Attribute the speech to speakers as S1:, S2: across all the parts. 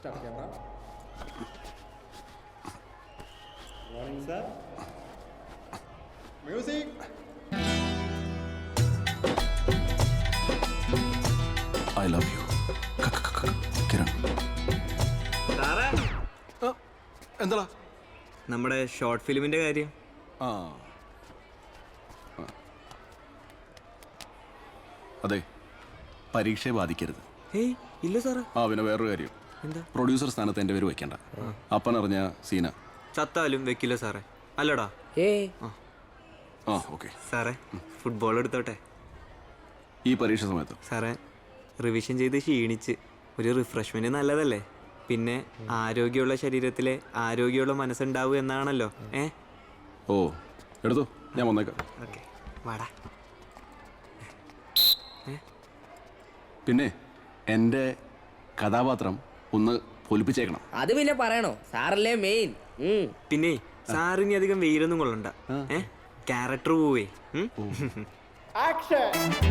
S1: Start camera. Morning, sir. Music.
S2: I love you. Kiran. എന്താ
S3: നമ്മുടെ short ഫിലിമിന്റെ കാര്യം?
S2: അതെ, പരീക്ഷയെ ബാധിക്കരുത്.
S3: ഏയ് ഇല്ല സാറേ.
S2: പിന്നെ വേറൊരു കാര്യം,
S3: എന്താ?
S2: പ്രൊഡ്യൂസർ സ്ഥാനത്ത് എൻ്റെ പേര് വെക്കണ്ട. അപ്പനറിഞ്ഞ സീന
S3: ചത്താലും വെക്കില്ല സാറേ. അല്ലടാ.
S2: ഓക്കെ
S3: സാറേ, ഫുട്ബോൾ എടുത്തോട്ടെ.
S2: ഈ പരീക്ഷ സമയത്ത്
S3: സാറേ, റിവിഷൻ ചെയ്ത് ക്ഷീണിച്ച് ഒരു റിഫ്രഷ്മെന്റ് നല്ലതല്ലേ? പിന്നെ ആരോഗ്യമുള്ള ശരീരത്തിലെ ആരോഗ്യമുള്ള മനസ്സുണ്ടാവും എന്നാണല്ലോ.
S2: ഓ എടുത്തു, ഞാൻ വന്നേക്കാം.
S3: ഓക്കെ, വാടാ.
S2: പിന്നെ എൻ്റെ കഥാപാത്രം ഒന്ന് പൊലിപ്പിച്ചേക്കണം.
S4: അത് പിന്നെ പറയണോ, സാറല്ലേ മെയിൻ.
S3: പിന്നെ സാറിനി അധികം വെയിലൊന്നും കൊള്ളണ്ട. ക്യാരക്ടർ പോവേ.
S1: Action.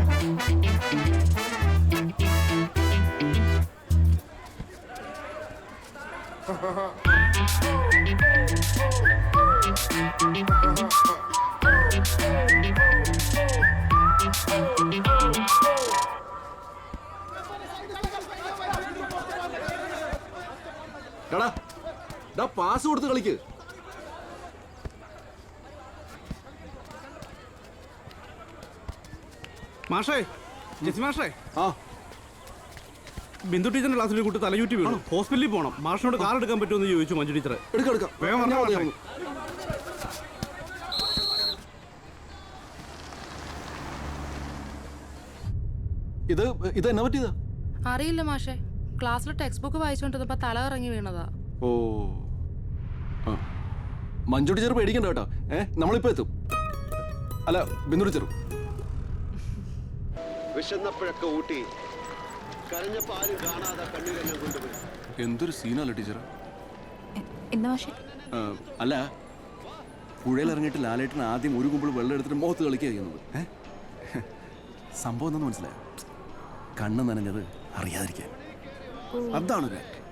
S2: പാസ് കൊടുത്ത് കളിക്ക്.
S5: മാഷേ, ജെസി മാഷേ, ബിന്ദു ടീച്ചറിന്റെ ക്ലാസ്സിൽ കുട്ടി തലയൂറ്റി വീണു. ഹോസ്പിറ്റലിൽ പോകണം. മാഷിനോട് കാർ എടുക്കാൻ പറ്റുമെന്ന് ചോദിച്ചു മഞ്ജു ടീച്ചർ. വേഗം വരണം.
S2: ഇത് എന്നാ പറ്റിയതാ?
S6: അറിയില്ല മാഷേ, ക്ലാസ്സിൽ ടെക്സ്റ്റ് ബുക്ക് വായിച്ചോണ്ടിരുന്നപ്പോ തല ഇറങ്ങി വീണതാ.
S2: ഓ, മഞ്ജു ടീച്ചർ പേടിക്കണ്ട കേട്ടോ. നമ്മളിപ്പോ എത്തും. അല്ല, ബിന്ദു ടീച്ചർ
S7: വിശന്നപ്പോഴൊക്കെ ഊട്ടി കരഞ്ഞപ്പോ ആരും കാണാതെ കണ്ണീരെല്ലാം കൊണ്ടുപോയി.
S2: എന്തൊരു സീനല്ല ടീച്ചർ.
S6: എന്താ മാഷേ?
S2: അല്ല, പുഴയിൽ ഇറങ്ങിയിട്ട് ലാലേട്ടൻ ആദ്യം ഒരു കുമ്പിൾ വെള്ളം എടുത്തിട്ട് മുഖത്ത് കളിക്കുക ചെയ്യുന്നത്. സംഭവം എന്താണെന്ന് മനസ്സിലായോ? കണ്ണ് നനഞ്ഞത് അറിയാതിരിക്കാൻ. അതാണ്